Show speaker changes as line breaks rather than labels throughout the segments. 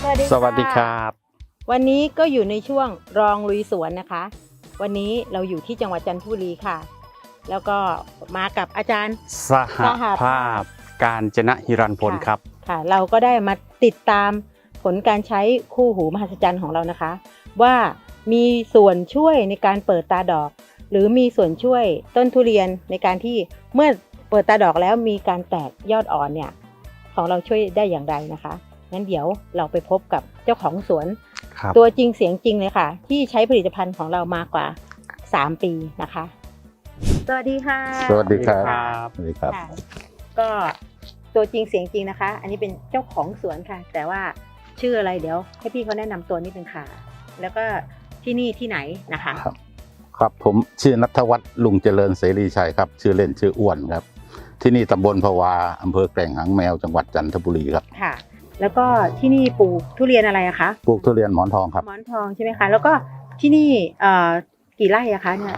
สวัสดีครับ
วันนี้ก็อยู่ในช่วงรองลุยสวนนะคะวันนี้เราอยู่ที่จังหวัดจันทบุรีค่ะแล้วก็มากับอาจารย์
สหภาพกาญจนหิรันพลครับ
ค่ะเราก็ได้มาติดตามผลการใช้คู่หูมหัศจรรย์ของเรานะคะว่ามีส่วนช่วยในการเปิดตาดอกหรือมีส่วนช่วยต้นทุเรียนในการที่เมื่อเปิดตาดอกแล้วมีการแตกยอดอ่อนเนี่ยของเราช่วยได้อย่างไรนะคะงั้นเดี๋ยวเราไปพบกับเจ้าของสวนตัวจริงเสียงจริงเลยค่ะที่ใช้ผลิตภัณฑ์ของเรามากว่า3 ปีนะคะสวัสดีค่ะ
สวัสดีครับสวัสดีครับ
ก็ตัวจริงเสียงจริงนะคะอันนี้เป็นเจ้าของสวนค่ะแต่ว่าชื่ออะไรเดี๋ยวให้พี่เขาแนะนำตัวนิดนึงค่ะแล้วก็ที่นี่ที่ไหนนะคะ
ครับผมชื่อณัฐวัฒน์ลุงเจริญเสรีชัยครับชื่อเล่นชื่ออ้วนครับที่นี่ตำบลภวาอำเภอแกลงหางแมวจังหวัดจันทบุรีครับ
ค่ะแล้วก็ที่นี่ปลูกทุเรียนอะไรอะคะ
ปลูกทุเรียนหมอนทองครับ
หมอนทองใช่ไหมคะแล้วก็ที่นี่กี่ไร่อะคะเนี่ย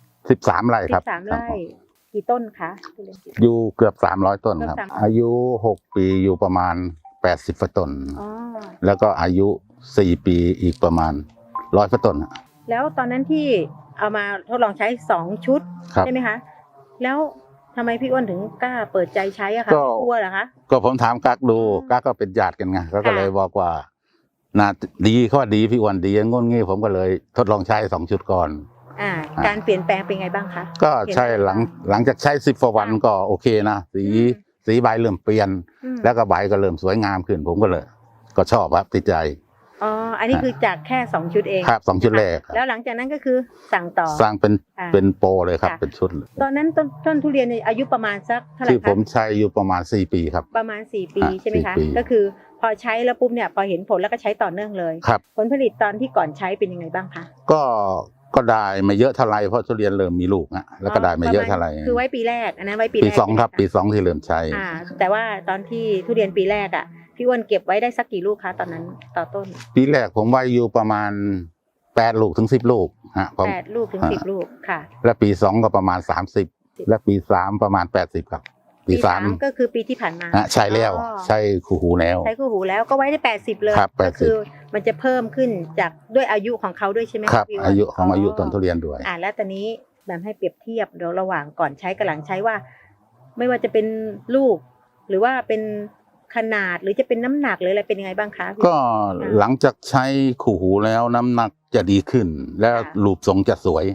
13 ไร่ครับ
13 ไร่กี่ต้นคะ
อยู่เกือบ300 ต้นครับอายุ6 ปีอยู่ประมาณ80 ต้นแล้วก็อายุ4 ปีอีกประมาณ100 ต้น
แล้วตอนนั้นที่เอามาทดลองใช้2 ชุดใช่ไหมคะแล้วทำไมพี่อ้วนถึงกล้าเปิดใจใช้อะคะกลัวเหรอคะ
ก็ผมถามกักดูกักก็เป็นญาติกันไงก็เลยบอกว่าน่าดีเขาว่าดีพี่อ้วนดีงนงี้ผมก็เลยทดลองใช้2 ชุดก่อน
การเปลี่ยนแปลงเป็นไงบ้างคะ
ก็ใช่หลังจากใช้10 กว่าวันก็โอเคนะสีใบเริ่มเปลี่ยนแล้วก็ใบก็เริ่มสวยงามขึ้นผมก็เลยก็ชอบครับติดใจ
อันนี้คือจากแค่2 ชุดเอง
ครับ2 ชุดแรก
แล้วหลังจากนั้นก็คือสั่งต่อ
สั่งเป็นโปรเลยครับเป็นชุด
ตอนนั้นต้นทุเรียนอายุประมาณสักเท่าไหร่คะ
ที่ผมใช้อยู่ประมาณ4 ปีครับ
ประมาณ4 ปีใช่ไหมคะก็คือพอใช้แล้วปุ๊บเนี่ยพอเห็นผลแล้วก็ใช้ต่อเนื่องเลยผลผลิตตอนที่ก่อนใช้เป็นยังไงบ้างคะ
ก็ได้ไม่เยอะเท่าไรเพราะทุเรียนเริ่มมีลูกนะแล้วก็ได้ไม่เยอะเท่าไร
คือไว้ปีแรกอันนั้นไว้ปี
2ครับปี2ที่เริ่มใช้
แต่ว่าตอนที่ทุเรียนปีแรกอ่ะพี่อ้วนเก็บไว้ได้สักกี่ลูกคะตอนนั้นต่อต้น
ปีแรกผมไว้อยู่ประมาณ8 ลูกถึง10 ลูก
8 ลูกถึง10 ลูกค่ะ
และปี2ก็ประมาณ30และปี3ประมาณ80ครับปี3
ก็คือปีที่ผ่านมา
ใช่แล้วใช่คู่หูแล้ว
ใช้คู่หูแล้วก็ไว้ได้80เลย
ก็
คือมันจะเพิ่มขึ้นจากด้วยอายุของเขาด้วยใช่ไหม
ครับอายุต้นทุเรียนด้วย
แล้วตอนนี้แบบให้เปรียบเทียบเดี๋ยวระหว่างก่อนใช้กับหลังใช้ว่าไม่ว่าจะเป็นลูกหรือว่าเป็นขนาดหรือจะเป็นน้ำหนักหรืออะไรเป็นยังไงบ้างคะ
ก็หลังจากใช้คู่หูแล้วน้ำหนักจะดีขึ้นแล้วรูปทรงจะสวย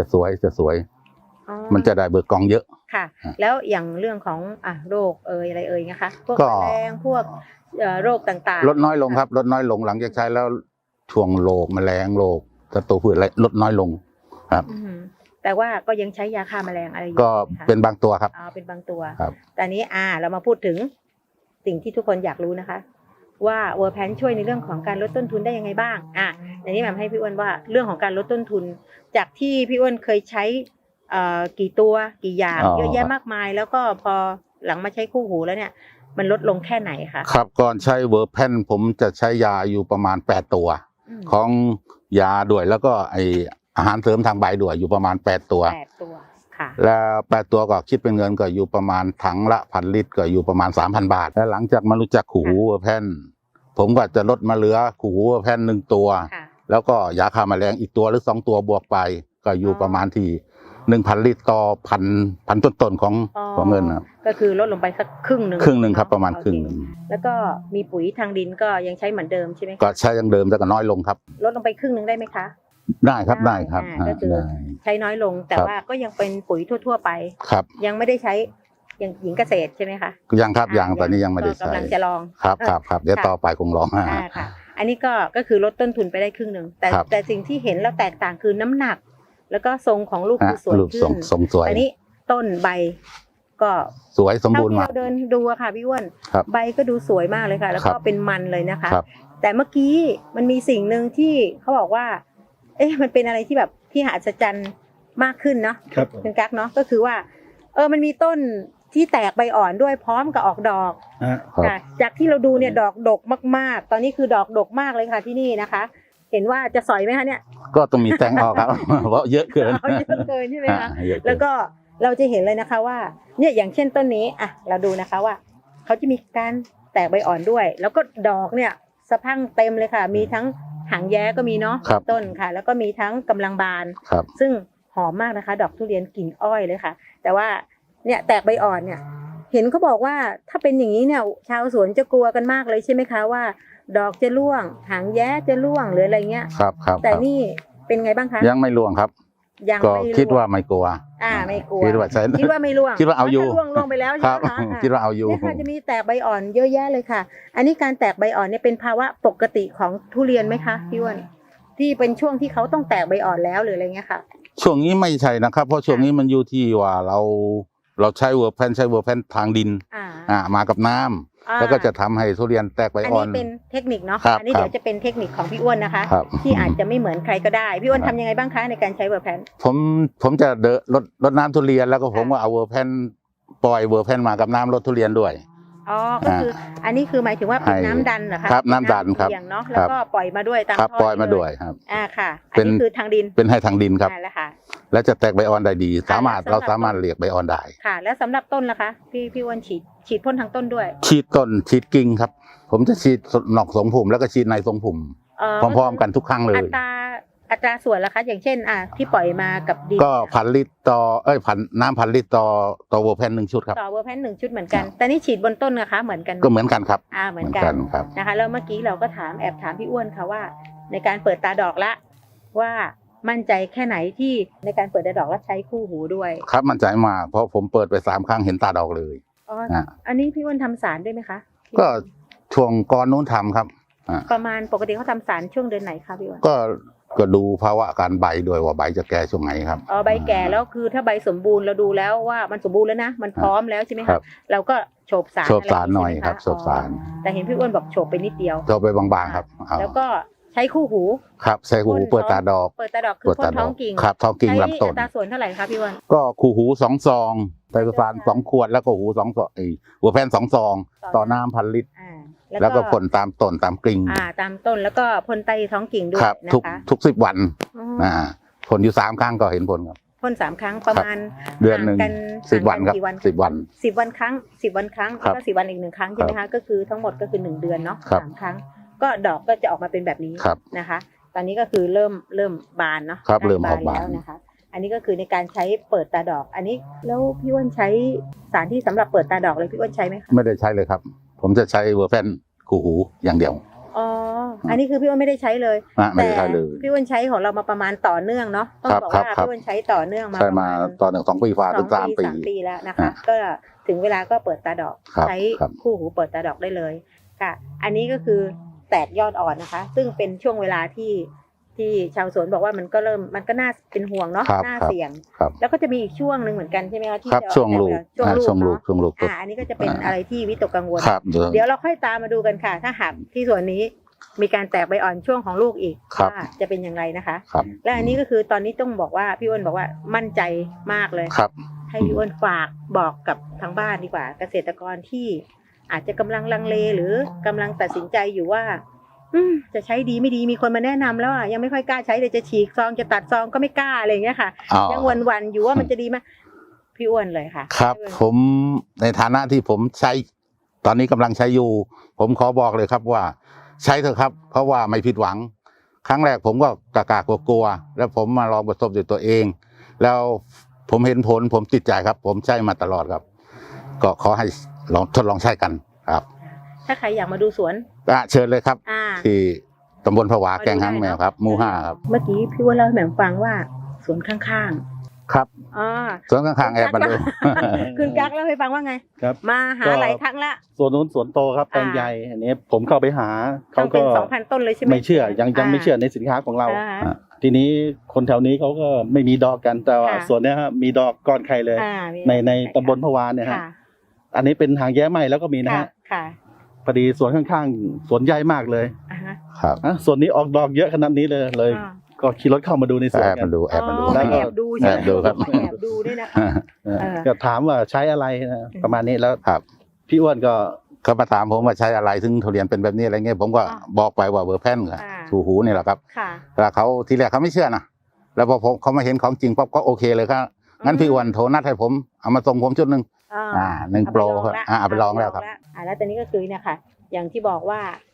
มันจะได้เบิกกองเยอะ
ค่ะแล้วอย่างเรื่องของโรคอะไรนะคะพวกแมลงพวกโรคต่าง
ๆลดน้อยลงครับลดน้อยลงหลังจากใช้แล้วช่วงโรคแมลงโรคศัตรูพืชอะไรลดน้อยลงครับ
แต่ว่าก็ยังใช้ยาฆ่าแมลงอะไรอยู่
ก็เป็นบางตัวครับ
เป็นบางตัวแต่นี้เรามาพูดถึงสิ่งที่ทุกคนอยากรู้นะคะว่าเวอร์แพนช่วยในเรื่องของการลดต้นทุนได้ยังไงบ้างในนี้แบบให้พี่อ้วนว่าเรื่องของการลดต้นทุนจากที่พี่อ้วนเคยใช้กี่ตัวกี่อย่างเยอะแยะมากมายแล้วก็พอหลังมาใช้คู่หูแล้วเนี่ยมันลดลงแค่ไหนคะ
ครับก่อนใช้เวอร์แพนผมจะใช้ยาอยู่ประมาณ8 ตัวของยาด้วยแล้วก็ไออาหารเสริมทางใบด้วยอยู่ประมาณ8 ตัวแล้ว8 ตัวก็คิดเป็นเงินก็อยู่ประมาณถังละ1,000 ลิตรก็อยู่ประมาณ 3,000 บาทแล้วหลังจากมารู้จักคู่หูเวอร์แพนผมก็จะลดมาเหลือคู่หูเวอร์แพน1 ตัวแล้วก็ยาฆ่าแมลงอีกตัวหรือ2 ตัวบวกไปก็อยู่ประมาณที่1,000 ลิตรต่อพันต้นของเงินนะ
ก็คือลดลงไปสักครึ่งหนึ่ง
ครับประมาณครึ่งนึง
แล้วก็มีปุ๋ยทางดินก็ยังใช้เหมือนเดิมใช่ไหม
ก็ใช้ยังเดิมแต่ก็น้อยลงครับ
ลดลงไปครึ่งนึงได้ไหมคะ
ได้ครับ
ก็คือใช้น้อยลงแต่ว่าก็ยังเป็นปุ๋ยทั่วๆไปยังไม่ได้ใช้อย่างหญิงเกษตรใช่ไหมคะ
ยังครับยังตอนนี้ยังไม่ได้ใช้
กำลังจะลอง
ครับเดี๋ยวต่อไปคงลอง
ค่ะอันนี้ก็คือลดต้นทุนไปได้ครึ่งนึงแต่สิ่งที่เห็นแล้วแตกต่างคือน้ำหนักแล้วก็ทรงของลูกคือสวยขึ้น
ทรงสวย
อันนี้ต้นใบก็
สวยสมบูรณ์มาก
เดินดูค่ะพี่อ้วนใบก็ดูสวยมากเลยค่ะแล้วก็เป็นมันเลยนะคะแต่เมื่อกี้มันมีสิ่งหนึ่งที่เขาบอกว่ามันเป็นอะไรที่แบบที่มหัศจรรย์มากขึ้นเนาะเป็นกั๊กเนาะก็คือว่ามันมีต้นที่แตกใบอ่อนด้วยพร้อมกับออกดอกจากที่เราดูเนี่ยดอกดกมากๆตอนนี้คือดอกดกมากเลยค่ะที่นี่นะคะเห็นว่าจะสอยไหมคะเนี่ย
ก็ต้องมีแตงออกครับเพราะเยอะเกิน
ใช่ไหมคะแล้วก็เราจะเห็นเลยนะคะว่าเนี่ยอย่างเช่นต้นนี้เราดูนะคะว่าเขาจะมีการแตกใบอ่อนด้วยแล้วก็ดอกเนี่ยสะพรั่งเต็มเลยค่ะ มีทั้งหางแย้ก็มีเนาะ
ครับ
ต้นค่ะ แล้วก็มีทั้งกำลังบาน
ครับ
ซึ่งหอมมากนะคะ ดอกทุเรียนกลิ่นอ้อยเลยค่ะ แต่ว่าเนี่ยแตกใบอ่อนเนี่ย เห็นเขาบอกว่าถ้าเป็นอย่างนี้เนี่ยชาวสวนจะกลัวกันมากเลยใช่ไหมคะว่า ดอกจะร่วง หางแย้จะร่วงหรืออะไรเงี้ย
ครับครับ
แต่นี่เป็นไงบ้างคะ
ยังไม่ร่วงครับ
ยัง
ก็
ไม่ร่วง
คิดว่าไม่กลัว
ไม่กลัว
คิดว่าใช่
คิดว่าไม่ร่วง
คิดว่าเอาอยู่
ถ้ร่วงไปแล้ว
ค
ใช่
รับ
ไหมคะอ่ะ
คิดว่าเอาอยู่
เนี่ยค่ะจะมีแตกใบอ่อนเยอะแยะเลยค่ะ อันนี้การแตกใบอ่อนเนี่ยเป็นภาวะปกติของทุเรียนไหมคะพี่อ้วนที่เป็นช่วงที่เขาต้องแตกใบอ่อนแล้วหรืออะไรเงี้ยค่ะ
ช่วงนี้ไม่ใช่นะครับ เพราะช่วงนี้มันอยู่ที่ว่าเราใช้เวอร์แพนทางดิน มากับน้ำแล้วก็จะทำให้ทุเรียนแตกใบ
อัน
อ่อ
นี้
น
เป็นเทคนิคเนาะ
ครับ
อันนี้
ครับ
เดี๋ยวจะเป็นเทคนิคของพี่อ้วนนะคะ
ครับ
ที่อาจจะไม่เหมือนใครก็ได้พี่อ้วนทำยังไงบ้างคะในการใช้เวอร์แพน
ผมจะลดน้ำทุเรียนแล้วก็ผม
ค่ะ
ก็เอาเวอร์แพนปล่อยเวอร์แพนมากับน้ำลดทุเรียนด้วย
อ๋อก็คืออันนี้คือหมายถึงว่าเป็น
ให้
น้ำดันเหรอคะ
ครับน้ำดันครับ
เสี่ยงเนาะแล้วก็ปล่อยมาด้วยตาม
ครับ
ท่อ
ปล่อยมา
เล
ด้วยครับ
ค่ะอั
เป็น น
นี้คือทางดิน
เป็นให้ทางดินครับ
แล้วค่ะ
และจะแตกใบอ่อนได้ดี
ค่ะ
เราสามารถเรียกใบอ่อนได้
ค่ะ แล้วสำหรับต้นล่ะคะพี่อ้วนฉีดพ่นทางต้นด้วย
ฉีดต้นฉีดกิ่งครับ ผมจะฉีดนอกทรงผมแล้วก็ฉีดในทรงผมพร้อมๆกันทุกครั้งเลย
อัตราส่วนล่ะคะ อย่างเช่นที่ปล่อยมากับดิน
ก็1,000 ลิตรต่อน้ำ1,000 ลิตรต่อเวอร์แพน1 ชุดครับ
ต่อเวอร์แพน1 ชุดเหมือนกัน แต่นี่ฉีดบนต้นนะคะเหมือนกัน
ก็เหมือนกันครับ
เหมือนกัน
ครับ
นะคะแล้วเมื่อกี้เราก็แอบถามพี่อ้วนค่ะว่า ในการเปิดตาดอกละว่ามั่นใจแค่ไหนที่ในการเปิดตาดอกแล้วใช้คู่หูด้วย
ครับมั่นใจมากเพราะผมเปิดไป3 ครั้งเห็นตาดอกเลย
อันนี้พี่อ้วนทำสารด้วยไหมคะ
ก็ช่วงก่อนนู้นทำครับ
ประมาณปกติเขาทำสารช่วงเดือนไหนคะพี่อ้วน
ก็ดูภาวะการใบด้วยว่าใบจะแก่ช่วงไหนครับ
ใบแก่แล้วคือถ้าใบสมบูรณ์เราดูแล้วว่ามันสมบูรณ์แล้วนะมันพร้อมแล้วใช่ไหม
ครั
คะ
บ
เราก็โฉบสาร
โฉบสารหน่อย
ะไาง
ครับ
ใช่
โฉบสาร
แต่เห็นพี่อ้วนบอกโฉบไปนิดเดียว
โฉบไปบางๆครับเอา
แล้วก็ใช้คู่หู
ครับใส่หูเปิดตาดอก
เปิดตาดอกคือพ่นท้องกิ่ง
ครับท้องกิ่ง
ใช้
ลำต้น
อัตราส่วนเท่าไหร่คะพี่อ้วน
ก็คู่หู2 ซองไตรโคซาน2 ขวดแล้วก็หู2 ซองหัวแพน2 ซองต่อน้ำ1,000 ลิตรแล้วก็พ่นตามต้นตามกิ่ง
ตามต้นแล้วก็พ่นใต้ท้องกิ่งด้วย
ครับ
นะคะ
ทุก10 วันพ่นอยู่3 ครั้งก็เห็นผลครับ
พ่น3 ครั้งประมาณ
เดือนหนึ่ง
ห่าง
10 วันครับ
กี่วัน
10 วัน
10 วันครั้ง10 วันครั้ง
ครับ
แล้วก็10 วันอีก1 ครั้งใช่ไหมคะก็คือทั้งหมดก็คือ1 เดือนเนาะ
ครับ
3 ครั้งก็ดอกก็จะออกมาเป็นแบบนี้
ครับ
นะคะ ตอนนี้ก็คือเริ่มบานเนาะ
ครับ
ใกล้
เริ่มออกบาน
แล้วนะคะ อันนี้ก็คือในการใช้เปิดตาดอก อันนี้แล้วพี่อ้วนใช้สารที่สำหรับเปิดตาดอกเลยพี่อ้วนใช้ไหมคะ
ไม่ได้ใช้เลยครับ ผมจะใช้เวอร์แพนคู่หูอย่างเดียว
อันนี้คือพี่อ้วนไม่ได้ใช้เลย
ไม่ได้ใช้เลย
พี่อ้วนใช้ของเรามาประมาณต่อเนื่องเนาะต้องบอกว่า
ครับ
พี่อ้วนใช้ต่อเนื่องมา
ใช้
ประ
มา
มาณ
ต่อ1 2 ปีฝ่าถึง3 ปี
3 ปีแล้วนะคะ ก็ถึงเวลาก็เปิดตาดอก
ครับ
ใช้
ครับ
คู่หูเปิดตาดอกได้เลยค่ะ อันนี้ก็คือแตกยอดอ่อนนะคะ ซึ่งเป็นช่วงเวลาที่ชาวสวนบอกว่ามันก็น่าเป็นห่วงเนาะ
ครับ
น่า
ครับ
เสี่ยง
ครับ
แล้วก็จะมีอีกช่วงหนึ่งเหมือนกันใช่ไหมคะที่
ครับ
จะ
ช่วงลูก
ช่วงลูก
ช่วงลูก
เนาะอันนี้ก็จะเป็นอะไรที่วิตกกังวล
ครับ
เดี๋ยวเราค่อยตามมาดูกันค่ะ ถ้าหากที่ส่วนนี้มีการแตกใบอ่อนช่วงของลูกอีก
ครับ
ว่าจะเป็นอย่างไรนะคะ
ครับ
และอันนี้ก็คือตอนนี้ต้องบอกว่าพี่อ้วนบอกว่ามั่นใจมากเลย
ครับ
ให้พี่อ้วนฝากบอกกับทางบ้านดีกว่า เกษตรกรที่อาจจะกำลังลังเลหรือกำลังตัดสินใจอยู่ว่าจะใช้ดีไม่ดีมีคนมาแนะนำแล้วยังไม่ค่อยกล้าใช้เลยจะฉีกซองจะตัดซองก็ไม่กล้าอะไรอย่างเงี้ยค่ะ ยังวันๆอยู่ว่ามันจะดีไหมพี่อ้วนเลยค่ะ
ครับ ผมในฐานะที่ผมใช้ตอนนี้กำลังใช้อยู่ ผมขอบอกเลยครับว่า ใช้เถอะครับ เพราะว่าไม่ผิดหวัง ครั้งแรกผมก็กล้ากลัวๆแล้วผมมาลองประสบด้วยตัวเอง แล้วผมเห็นผลผมติดใจครับ ผมใช้มาตลอดครับ ก็ขอให้ทดลองใช้กันครับ
ถ้าใครอยากมาดูสวน
เชิญเลยครับ ที่ตำบลผวาแกงหางแมวครับหมู่5ครับ
เมื่อกี้พี่อ้วนเล่าให้แหม่มฟังว่าสวนข้าง
ครับ
ๆ
สวนข้างๆแอบมาดู
คุณกั๊กเล่าให้ฟังว่าไง
ครับ
มาหาหลายครั้งละ
ส่วนนู้นสวนโตครับแปลงใหญ่อันนี้ผมเข้าไปหา
ต้
เขา
องเป็
ก็
น 2,000 ต้นเลยใช่ไหม
ไม่เชื่อยังไม่เชื่อในสินค้าของเรา ทีนี้คนแถวนี้เขาก็ไม่มีดอกกันแต่ว่าส่วนเนี้ยฮะมีดอกก้อนไข่เลย ในตำบลพะวานเนี่ยฮะอันนี้เป็นหางแย้ไหมแล้วก็มีนะฮะ
ค่ะ
พอดีสวนข้างๆสวนใหญ่มากเลย
ครับ
ส่วนนี้ออกดอกเยอะขนาดนี้เลยก็ขี่รถเข้ามาดูในสวน
แอบ
กั
มาน ดูแอบมาดู
แล้วก็
แอบดูใช่ไหม
แอบดูครับ
แอบดูด้วยนะคะ
ก็ถามว่าใช้อะไรนะประมาณนี้แล้ว
ครับ
พี่อ้วนก็
เขามาถามผมว่าใช้อะไรถึงทุเรียนเป็นแบบนี้อะไรเงี้ยผมก็บอกไปว่าเวอร์แพนกับถูหูนี่แหละครับ
ค่ะ
แล้วเขาทีแรกเขาไม่เชื่อนะแล้วพอเขามาเห็นของจริงปั๊บก็โอเคเลยครับงั้นพี่อ้วนโทรนัดให้ผมเอามาส่งผมชุดหนึ่ง1 โปรครับเอาไปลองแล้วครับ
แล้วตอนนี้ก็คือเนี่ยค่ะ อย่างที่บอกว่า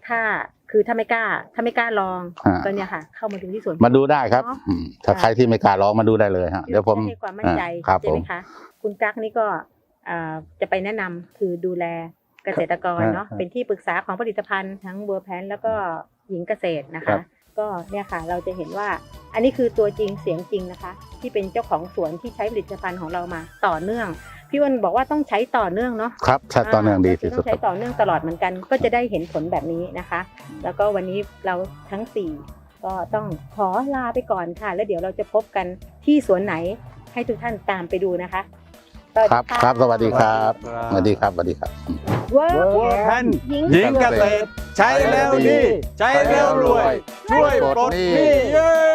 ถ้าไม่กล้าลองก็เนี่ยค่ะ เข้ามาดูที่สวน
มาดูได้ครับถ้าใครที่ไม่กล้าลองมาดูได้เลยฮะเดี๋ยวผม
ให้ความมั่นใจ
ครับ
ใช่ไหมคะคุณกั๊กนี่ก็จะไปแนะนำคือดูแลเกษตรกรเนาะเป็นที่ปรึกษาของผลิตภัณฑ์ทั้งบัวแพนแล้วก็หญิงเกษตรนะคะ ก็เนี่ยค่ะเราจะเห็นว่าอันนี้คือตัวจริงเสียงจริงนะคะ ที่เป็นเจ้าของสวนที่ใช้ผลิตภัณฑ์ของเรามาต่อเนื่องพี่อ้นบอกว่าต้องใช้ต่อเนื่องเนาะ
ครับใช้ต่อเนื่องดีที่สุด
ต้องใช้ต่อเนื่องตลอดเหมือนกันก็จะได้เห็นผลแบบนี้นะคะ แล้วก็วันนี้เราทั้ง4ก็ต้องขอลาไปก่อนค่ะ แล้วเดี๋ยวเราจะพบกันที่สวนไหนให้ทุกท่านตามไปดูนะคะ
ครับครับสวัสดีครับสวัสดีครับสวัสดีครับ
เวิร์
บัวแพน
หญิง
หญิงเกษตรใช้แล้วดี ใช้แล้วรวย ช่วยปลดหนี้เย้